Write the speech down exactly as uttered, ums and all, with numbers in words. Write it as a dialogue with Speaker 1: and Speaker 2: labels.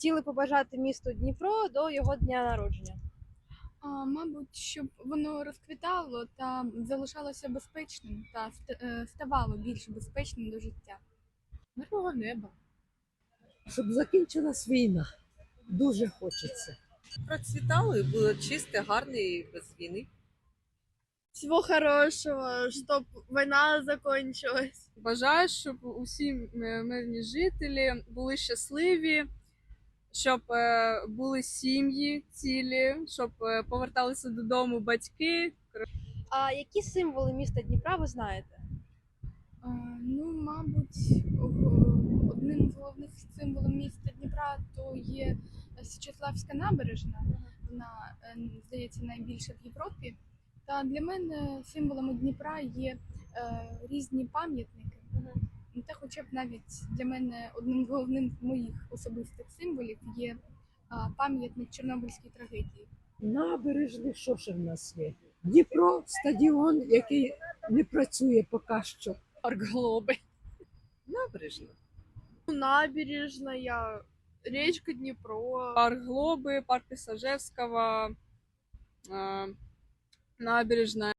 Speaker 1: хотіли побажати місту Дніпро до його дня народження?
Speaker 2: А, мабуть, щоб воно розквітало та залишалося безпечним та ст- е, ставало більш безпечним до життя.
Speaker 3: Мирного неба.
Speaker 4: Щоб закінчилась війна. Дуже хочеться.
Speaker 5: Процвітало і було чисте, гарне і без війни.
Speaker 1: Всього хорошого, щоб війна закінчилась.
Speaker 6: Бажаю, щоб усі мирні жителі були щасливі, щоб е, були сім'ї цілі, щоб е, поверталися додому батьки.
Speaker 1: А які символи міста Дніпра ви знаєте?
Speaker 2: А, ну, мабуть, ог- одним з головних символів міста Дніпра то є Січеславська набережна. Вона, е, здається, найбільша в Європі. Та для мене символами Дніпра є е, різні пам'ятники. Ну, Та хоча б навіть для мене одним з головних моїх особистих символів є а, пам'ятник Чорнобильській трагедії.
Speaker 4: Набережні, що ще в нас є? Дніпро, стадіон, який не працює поки що.
Speaker 6: Аркглоби.
Speaker 5: Набережна.
Speaker 1: Набережна, річка Дніпро.
Speaker 6: Парк Глоби, парк Ісажевського, е, набережна